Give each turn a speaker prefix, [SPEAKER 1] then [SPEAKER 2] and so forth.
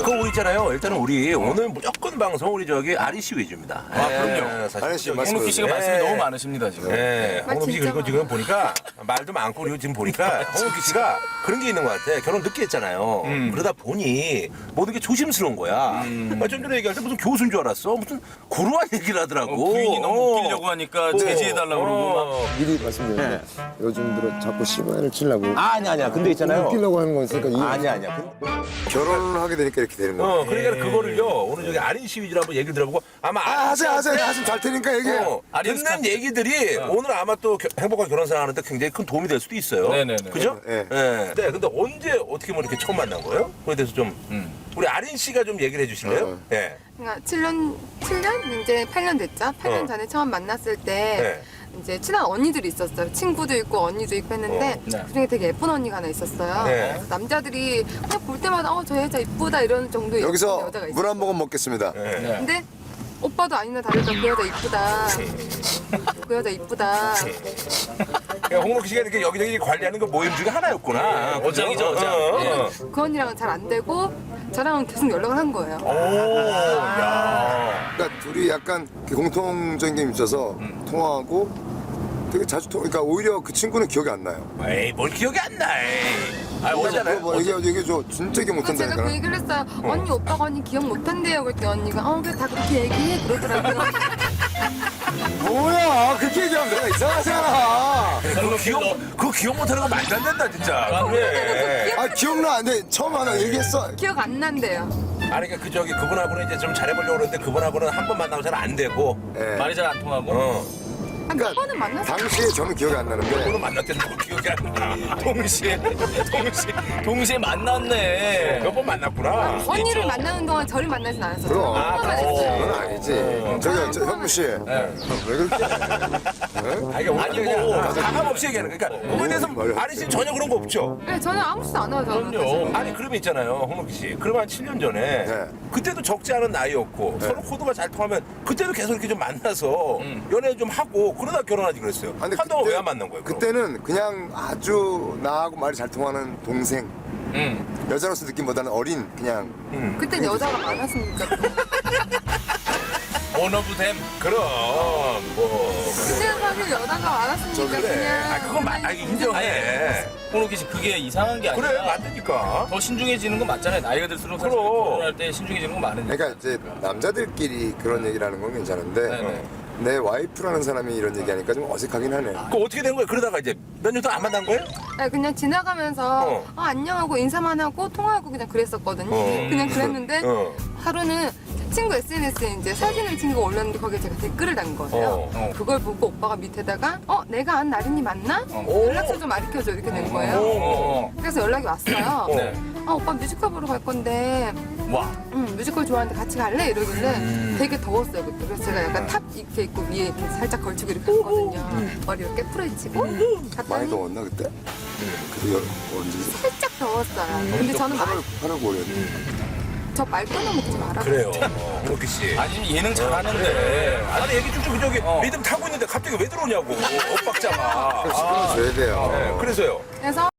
[SPEAKER 1] 그거 우리 있잖아요. 일단은 우리 오늘 무조건 방송 우리 저기 아리 씨 위주입니다.
[SPEAKER 2] 아, 그럼요.
[SPEAKER 3] 아리 씨 말씀.
[SPEAKER 2] 홍록기 씨가 말씀이 너무 많으십니다, 지금.
[SPEAKER 1] 네, 홍록기 씨
[SPEAKER 4] 진짜
[SPEAKER 1] 그리고 지금 보니까 말도 많고 그리고 지금 보니까 홍록기 씨가 그런 게 있는 것 같아. 결혼 늦게 했잖아요. 그러다 보니 모든 게 조심스러운 거야. 좀 전에 얘기할 때 무슨 교수인 줄 알았어. 무슨 고루한 얘기를 하더라고.
[SPEAKER 2] 부인이 너무 웃기려고 하니까 제지해달라고 그러고 막.
[SPEAKER 3] 미리 말씀드리는데 요즘 들어 자꾸 시간을 치려고
[SPEAKER 1] 아니야. 근데 있잖아요.
[SPEAKER 3] 웃기려고 하는 거 있으니까
[SPEAKER 1] 아니야.
[SPEAKER 3] 결혼을 하게 되니까 이렇게 되는 거예요.
[SPEAKER 1] 그러니까 그거를요. 오늘 저기 아린 씨 위주로 한번 얘기를 들어보고 아마
[SPEAKER 3] 하세요. 하시면 잘 테니까 얘기해요.
[SPEAKER 1] 듣는 얘기들이 오늘 아마 또 행복한 결혼 생활하는데 굉장히 큰 도움이 될 수도 있어요.
[SPEAKER 2] 네네네.
[SPEAKER 1] 그죠?
[SPEAKER 3] 네.
[SPEAKER 1] 네. 근데 언제 어떻게 뭐 이렇게 처음 만난 거예요? 그에 대해서 좀 우리 아린 씨가 좀 얘기를 해주실래요? 네.
[SPEAKER 4] 그러니까 7년 이제 8년 됐죠. 8년 전에 처음 만났을 때 이제 친한 언니들이 있었어요. 친구도 있고 언니도 있고 했는데
[SPEAKER 2] 네.
[SPEAKER 4] 그중에 되게 예쁜 언니가 하나 있었어요.
[SPEAKER 1] 네.
[SPEAKER 4] 그래서 남자들이 그냥 볼 때마다 저 여자 이쁘다 이런 정도의 예쁜
[SPEAKER 3] 여기서
[SPEAKER 4] 여자가 있어요.
[SPEAKER 3] 물 한 모금 먹겠습니다.
[SPEAKER 1] 네.
[SPEAKER 4] 근데 오빠도 아니나 다를까 그 여자 이쁘다. 그 여자 이쁘다.
[SPEAKER 1] 그러니까 홍록기 씨가 이렇게 여기저기 관리하는 그 모임 중에 하나였구나. 그죠?
[SPEAKER 2] 어장이죠, 어장.
[SPEAKER 4] 그 언니랑은 잘 안 되고 저랑은 계속 연락을 한 거예요.
[SPEAKER 3] 그러니까 둘이 약간 공통적인 게 있어서 통화하고 되게 자주 그러니까 오히려 그 친구는 기억이 안 나요.
[SPEAKER 1] 에이, 뭘 기억이 안 나.
[SPEAKER 3] 그래서 뭐 얘기해줘. 진짜 기억
[SPEAKER 4] 그래서 제가
[SPEAKER 3] 못한다니까.
[SPEAKER 4] 그 얘기를 했어요. 언니 오빠가 언니 기억 못한대요. 그랬더니 언니가 그래 다 그렇게 얘기해 그러더라고요.
[SPEAKER 3] 뭐야 그렇게 얘기하면 내가 이상하잖아.
[SPEAKER 1] 그거 기억 못하는 거 말도 안 된다, 진짜. 그래.
[SPEAKER 3] 기억나 안 돼. 처음 하나 얘기했어.
[SPEAKER 4] 기억 안 난대요.
[SPEAKER 1] 아니, 그러니까 그분하고는 이제 좀 잘해보려고 그러는데 그분하고는 한 번 만나고 잘 안 되고.
[SPEAKER 3] 예.
[SPEAKER 2] 말이 잘 안 통하고.
[SPEAKER 4] 몇 번은 만났어요.
[SPEAKER 3] 당시에 저는 기억이 안 나는데
[SPEAKER 1] 그분은 만났는데 뭐 기억이 안 나.
[SPEAKER 2] 동시에 만났네.
[SPEAKER 1] 몇 번 만났구나.
[SPEAKER 4] 언니를 만나는 동안 저를 만나진 않았어요.
[SPEAKER 3] 그럼.
[SPEAKER 4] 오빠만 했어요.
[SPEAKER 3] 그건 아니지. 저기 현무 씨. 왜 그렇게?
[SPEAKER 1] 아니,
[SPEAKER 2] 아니고.
[SPEAKER 1] 가감 없이 얘기하는 거야. 그러니까 그거에 대해서 아리 씨는 전혀 그런 거 없죠?
[SPEAKER 4] 네, 저는 아무 짓도 안 해요. 저는.
[SPEAKER 2] 그럼요.
[SPEAKER 1] 아니, 그러면 있잖아요, 홍록기 씨. 그러면 한 7년 전에
[SPEAKER 3] 네.
[SPEAKER 1] 그때도 적지 않은 나이였고 서로 코드가 잘 통하면 그때도 계속 이렇게 좀 만나서 연애 좀 하고 그러다 결혼하지 그랬어요.
[SPEAKER 3] 근데
[SPEAKER 1] 한동안
[SPEAKER 3] 그때-
[SPEAKER 1] 왜 안 만난 거예요? 그럼?
[SPEAKER 3] 그때는 그냥 아주 나하고 말이 잘 통하는 동생. 여자로서 느낌보다는 어린 그냥.
[SPEAKER 4] 그땐 여자가 많았으니까.
[SPEAKER 2] 원어브댐.
[SPEAKER 1] 그럼 뭐
[SPEAKER 4] 그때는 사실 여자가 많았으니까
[SPEAKER 1] 그래.
[SPEAKER 4] 그냥.
[SPEAKER 1] 그건 인정해.
[SPEAKER 2] 홍록기 씨 그게 이상한 게 아니라.
[SPEAKER 1] 그래, 맞으니까.
[SPEAKER 2] 더 신중해지는 건 맞잖아요. 나이가 들수록 사실
[SPEAKER 1] 그럼.
[SPEAKER 2] 결혼할 때 신중해지는 건 많으니까.
[SPEAKER 3] 그러니까 이제 남자들끼리 그런 얘기를 하는 건 괜찮은데
[SPEAKER 2] 네네.
[SPEAKER 3] 내 와이프라는 사람이 이런 얘기하니까 좀 어색하긴 하네.
[SPEAKER 1] 그 어떻게 된 거예요? 그러다가 이제 몇 년 동안 안 만난 거예요?
[SPEAKER 4] 네, 그냥 지나가면서
[SPEAKER 1] 어.
[SPEAKER 4] 안녕하고 인사만 하고 통화하고 그냥 그랬었거든요.
[SPEAKER 1] 어.
[SPEAKER 4] 그냥 그랬는데
[SPEAKER 1] 어.
[SPEAKER 4] 하루는 친구 SNS에 이제 사진을 친구가 올렸는데 거기에 제가 댓글을 단 거예요. 그걸 보고 오빠가 밑에다가 내가 안 나린이 맞나? 연락처 좀 알려줘 이렇게 된 거예요.
[SPEAKER 2] 어.
[SPEAKER 4] 그래서 연락이 왔어요.
[SPEAKER 2] 네.
[SPEAKER 4] 오빠 뮤지컬 보러 갈 건데
[SPEAKER 2] 와.
[SPEAKER 4] 뮤지컬 좋아하는데 같이 갈래? 이러길래 되게 더웠어요 그때. 그래서 제가 약간 탑 이렇게 입고 위에 이렇게 살짝 걸치고 이렇게 갔거든요. 머리 이렇게 풀어헤치고
[SPEAKER 3] 많이
[SPEAKER 4] 갔더니
[SPEAKER 3] 더웠나 그때? 그때 언제?
[SPEAKER 4] 살짝 더웠어요. 근데 저는
[SPEAKER 3] 8월 5일.
[SPEAKER 4] 저 말 끊어먹지 마라.
[SPEAKER 1] 그래요. 홍록기 씨.
[SPEAKER 2] 아니 예능 잘하는데.
[SPEAKER 1] 아니 얘기 쭉쭉 저기 리듬 타고 있는데 갑자기 왜 들어오냐고 엇박자가.
[SPEAKER 3] 시간을 줘야 돼요.
[SPEAKER 1] 그래서요.
[SPEAKER 4] 그래서